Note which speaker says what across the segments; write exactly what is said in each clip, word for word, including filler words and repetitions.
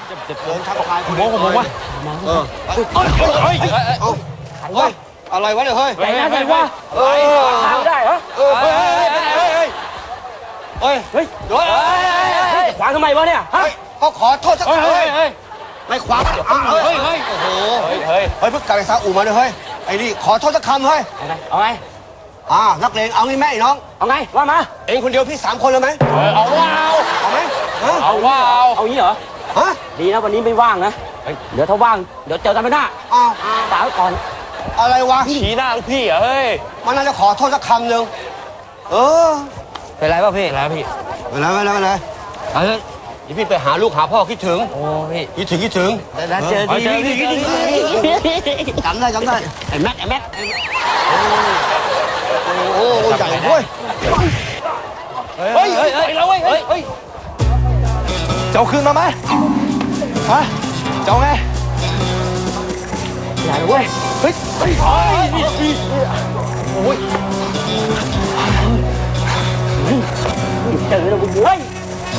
Speaker 1: เดินทักทายคน
Speaker 2: มองผมว่า
Speaker 1: เออเฮ้ยเฮ้ยเฮ้ยอะไรวะเนี่ยเฮ้ย
Speaker 2: ไหนนะไหนวะเออทางได้เหรอ
Speaker 1: เออเฮ้ยเฮ้ยเฮ้ยเฮ้ยเฮ้ยเฮ้ย
Speaker 2: ขวางทำไมวะเนี่ยฮะ
Speaker 1: ก็ขอโทษสักคำเฮ้ยเฮ้ยไม่ขวางเฮ้ยเฮ้ยโอ้โหเฮ้ยเฮ้ยเฮ้ยเพิ่งกลับไปซาอุมาเลยเฮ้ยไอ้นี่ขอโทษสักคำเฮ้ย
Speaker 2: เอาไง
Speaker 1: อ่านักเลงเอางี้แม่น้อง
Speaker 2: เอาไงว่ามา
Speaker 1: เองคนเดียวพี่สามคนเลยไหม
Speaker 2: เอาว่าเอา
Speaker 1: เอาไหม
Speaker 2: เอาว่าเอาเอางี้เหรอ
Speaker 1: ฮะ
Speaker 2: ดีนะวันนี้ไม่ว่างนะเดี๋ยวถ้าว่างเดี๋ยวเจอกันไปหน้า
Speaker 1: อ้าว
Speaker 2: ตาก่อน
Speaker 1: อะไรวะ
Speaker 2: ชี้หน้าลูกพี่เหรอเฮ้ย
Speaker 1: มันน่าจะขอโทษสักคำหนึ่งเออ
Speaker 2: เป็นไรป่ะพี่เป็นไรพี่
Speaker 1: เป็นไรเป็นไรเป็นไรเฮ้ยนี่พี่ไปหาลูกหาพ่อคิดถึง
Speaker 2: โอ้พี่
Speaker 1: คิดถึงคิดถึง
Speaker 2: แล้วเจอดี
Speaker 1: จำได้จำได้
Speaker 2: ไอ้แม็กไอ้แม็ก
Speaker 1: โอ้โหใหญ่เว้ย
Speaker 2: เฮ้ยเฮ้ยเฮ้ยเราเว้ยเฮ้ยเฮ้ย
Speaker 3: เจ้าคืนมาไหมฮะเจ้าไง
Speaker 2: ใหญ่เว้ย
Speaker 3: เฮ้ยเฮ้ยโอ้ย
Speaker 2: เจอแล้วกูเว้ย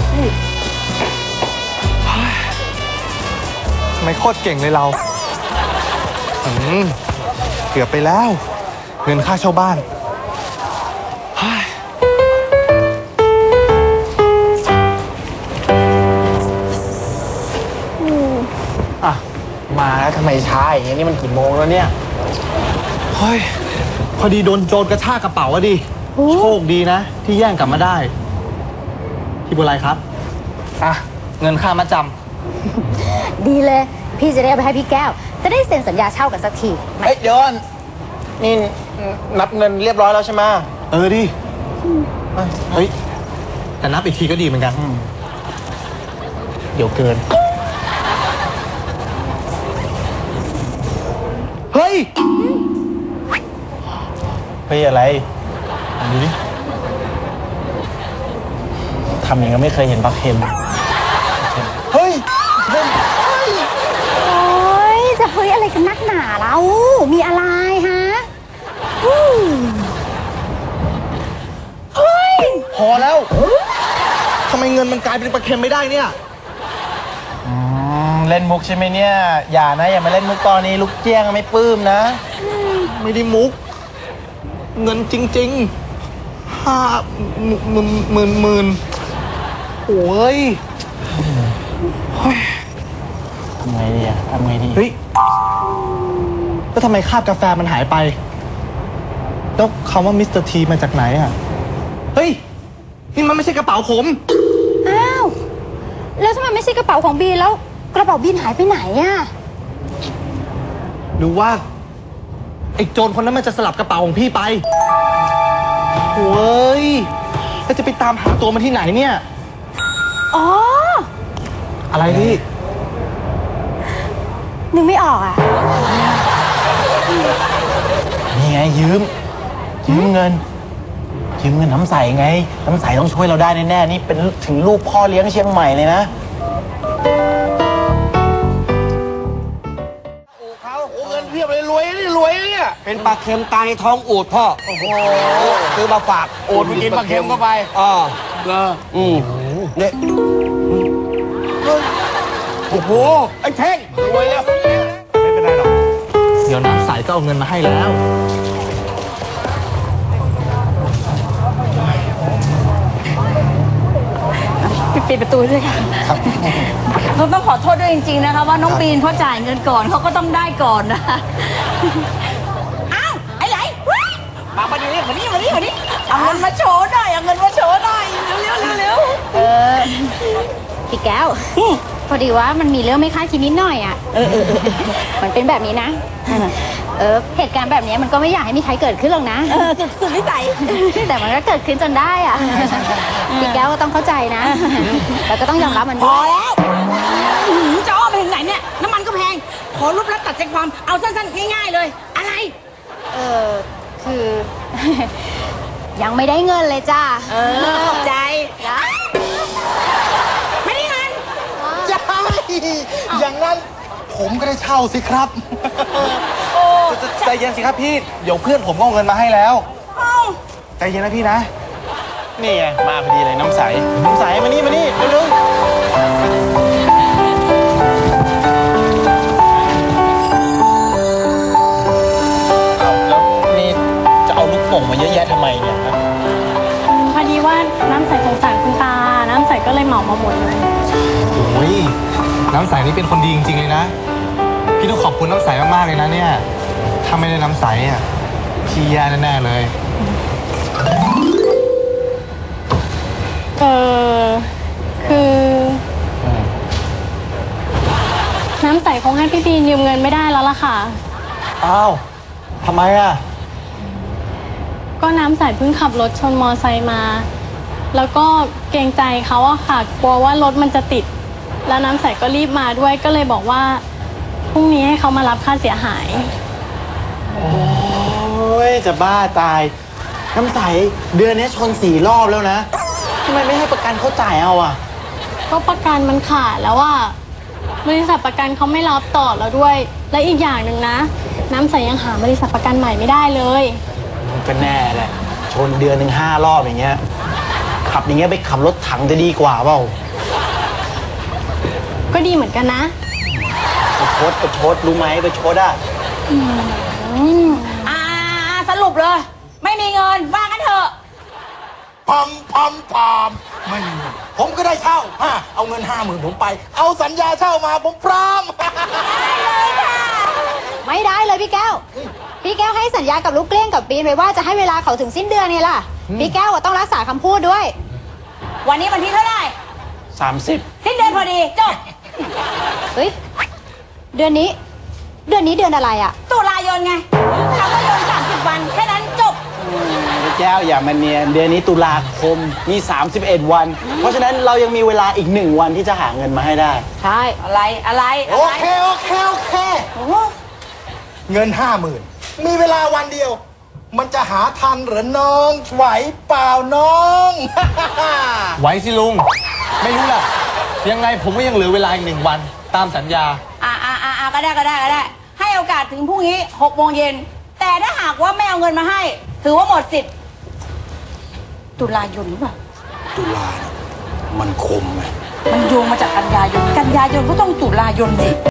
Speaker 3: ไม่โคตรเก่งเลยเราอืมเกือบไปแล้วเงินค่าเช่าบ้าน
Speaker 4: อ่ะมาแล้วทำไมช้าอย่างนี้นี่มันกี่โมงแล้วเนี่ย
Speaker 3: เฮ้ยพอดีโดนโจรกระชากกระเป๋าอะดิโชคดีนะที่แย่งกลับมาได้พี่บุไรครับอ่ะเงินค่ามัดจ
Speaker 5: ำดีเลยพี่จะได้ไปให้พี่แก้วจะได้เซ็นสัญญาเช่ากันสักที
Speaker 4: เฮ้ยเดี๋ยวนี่นับเงินเรียบร้อยแล้วใช่ไหม
Speaker 3: เออดิเฮ้ยแต่นับอีกทีก็ดีเหมือนกัน
Speaker 4: เดี๋ยวเกิน
Speaker 3: เฮ้ย
Speaker 4: เฮ้ยอะไรดูดิทำอย่างนี้ไม่เคยเห็นปลาเค็ม
Speaker 3: เฮ้ย
Speaker 5: โอ้ยจะเฮ้ยอะไรกันนักหนาเรามีอะไรฮะเฮ้ย
Speaker 3: พอแล้วทำไมเงินมันกลายเป็นปลาเค็มไม่ได้เนี่ย
Speaker 4: เล่นมุกใช่ไหมเนี่ยอย่านะอย่ามาเล่นมุกตอนนี้ลูกเจี้ยงไม่ปลื้มนะ
Speaker 3: ไม่ได้มุกเงินจริงๆห้าหมื่นหมื่นหมื่นโอ้ย
Speaker 4: ทำไงดีอะทำไงดี
Speaker 3: เฮ้ยแล้วทำไมคาบกาแฟมันหายไปแล้วคำว่ามิสเตอร์ทีมาจากไหนอะเฮ้ยนี่มันไม่ใช่กระเป๋าผม
Speaker 5: อ้าวแล้วทำไมไม่ใช่กระเป๋าของบีแล้วกระเป๋าบินหายไปไหนอะ
Speaker 3: หรือว่าไอ้โจรคนนั้นมันจะสลับกระเป๋าของพี่ไปโอ้ยแล้วจะไปตามหาตัวมันที่ไหนเนี่ย
Speaker 5: อ๋อ
Speaker 3: อะไรพี่
Speaker 5: นึกไม่ออกอ่ะ
Speaker 4: นี่ไงยืมยืมเงินยืมเงินน้ำใสไงน้ำใสต้องช่วยเราได้แน่ๆนี่เป็นถึงลูกพ่อเลี้ยงเชียงใหม่เลยนะ
Speaker 1: เงินเพียบเลยรวยนี่รวยเนี่ยเป็นปลาเค็มตายในท้องอูดพ่อโอ้โหซื้อมาฝาก
Speaker 4: อูดไปกินปลาเค็มเข้าไป
Speaker 1: อ่าเอออืมเนี่ยโอ้โหไอ้เท่งรวยแล้ว
Speaker 3: ไม่เป็นไรหรอกเดี๋ยวน้ำใสก็เอาเงินมาให้แล้ว
Speaker 5: ปิดประตูด้วยค่ะเราต้องขอโทษด้วยจริงๆนะคะว่าน้องบีนเขาจ่ายเงินก่อนเขาก็ต้องได้ก่อนนะอ้าวไอ้ไหล
Speaker 2: มามาดิมาดิมาดิมาดิ
Speaker 5: เอาเงินมาโชว์หน่อยเอาเงินมาโชว์หน่อยเร็วเร็วเร็วเร็วเออพี่แก้วพอดีว่ามันมีเรื่องไม่คาดคิดนิดหน่อยอ่ะเออเออมันเป็นแบบนี้นะเออเหตุการณ์แบบนี้มันก็ไม่อยากให้มีใครเกิดขึ้นหรอกนะเออสุดวิสัยแต่มันก็เกิดขึ้นจนได้อ่ะพี่แก้วก็ต้องเข้าใจนะแล้วก็ต้องยอมรับมัน
Speaker 2: พอแล้วจะอ้อมไปถึงไหนเนี่ยน้ำมันก็แพงขอรูปลัดตัดใจความเอาสั้นๆง่ายๆเลยอะไร
Speaker 5: เออคือยังไม่ได้เงินเลยจ้า
Speaker 2: เออขอบใจไม่ได้เงิน
Speaker 3: ใช่อย่างนั้นผมก็ได้เช่าสิครับใจเย็นสิครับพี่เดี๋ยวเพื่อนผมก็เอาเงินมาให้แล้วใจเย็นนะพี่นะ
Speaker 4: นี่ไงมาพอดีเลยน้ำใสน้ำใสมานี่มานี่เร็ว
Speaker 3: น้ำใสนี่เป็นคนดีจริงๆเลยนะพี่ต้องขอบคุณน้ำใสมากๆเลยนะเนี่ยถ้าไม่ได้น้ำใสอ่ะพี่แย่แน่ๆเลย
Speaker 6: เออคือ น้ำใสคงให้พี่บีนยืมเงินไม่ได้แล้วล่ะค่ะ
Speaker 3: อ้าวทำไมอ่ะ
Speaker 6: ก็น้ำใสเพิ่งขับรถชนมอไซค์มา แล้วก็เกรงใจเขาอะค่ะกลัวว่ารถมันจะติด แล้วน้ำใสก็รีบมาด้วยก็เลยบอกว่าพรุ่งนี้ให้เขามารับค่าเสียหาย
Speaker 4: โอ้ยจะบ้าตายน้ำใสเดือนนี้ชนสี่รอบแล้วนะทำไมไม่ให้ประกันเขาจ่ายเอาอ่ะ
Speaker 6: ก็ประกันมันขาดแล้วว่าบริษัทประกันเขาไม่รับต่อแล้วด้วย และอีกอย่างหนึ่งนะ น้ำใสยังหาบริษัทประกันใหม่ไม่ได้เลย
Speaker 4: ก็แน่แหละชนเดือนหนึ่งห้ารอบอย่างเงี้ยขับอย่างเงี้ยไปขับรถถังจะดีกว่าเปล่า
Speaker 6: ก็ดีเหมือนกันนะ
Speaker 4: ไปชดไปชดรู้ไหมไปชดอ่ะ
Speaker 2: อ่าสรุปเลย ไม่มีเงินว่ากันเถอะ
Speaker 7: พอมพอมพอมไม่มีเงินผมก็ได้เช่าฮะเอาเงินห้าหมื่นผมไป เอาสัญญาเช่ามาผมพร้อม
Speaker 5: ไม่ได้เลยพี่แก้ว พี่แก้วให้สัญญากับลูกเกลี้ยงกับปีนไว้ว่าจะให้เวลาเขาถึงสิ้นเดือนไงล่ะ พี่แก้วอะต้องรักษาคำพูดด้วย
Speaker 2: วันนี้วันที่เท่าไหร่
Speaker 4: สามสิบ
Speaker 2: สิ้นเดือนพอดีจบ
Speaker 5: เฮ้ย เดือนนี้ เดือนนี้เดือนอะไรอะ
Speaker 2: ตุลายนไงคำว่าโยนสามสิบวันแค่นั้นจบ
Speaker 4: พี่แก้วอย่ามาเนียนเดือนนี้ตุลาคมมีสามสิบเอ็ดวัน เพราะฉะนั้นเรายังมีเวลาอีกหนึ่งวันที่จะหาเงินมาให้ได้
Speaker 5: ใช่
Speaker 2: อะไรอะไร
Speaker 7: โอ
Speaker 2: อะไร
Speaker 7: เคโอเคโอเค
Speaker 2: โอ้โห
Speaker 7: เงินห้าหมื่นมีเวลาวันเดียว มันจะหาทันหรือน้องไหวเปล่าน้อง
Speaker 3: ไหวสิลุง ไม่รู้ล่ะ ยังไงผมก็ยังเหลือเวลาอีกหนึ่งวันตามสัญญา
Speaker 2: อ่าอ่าอ่าอ่าก็ได้ก็ได้ก็ได้ ให้โอกาสถึงพรุ่งนี้หกโมงเย็นแต่ถ้าหากว่าไม่เอาเงินมาให้ ถือว่าหมดสิทธิ์ตุลายนหรือเปล่า
Speaker 7: ตุลาเนี่ยมันคมไหม
Speaker 2: มันโยงมาจากกันยายนกันยายนก็ต้องตุลายนสิ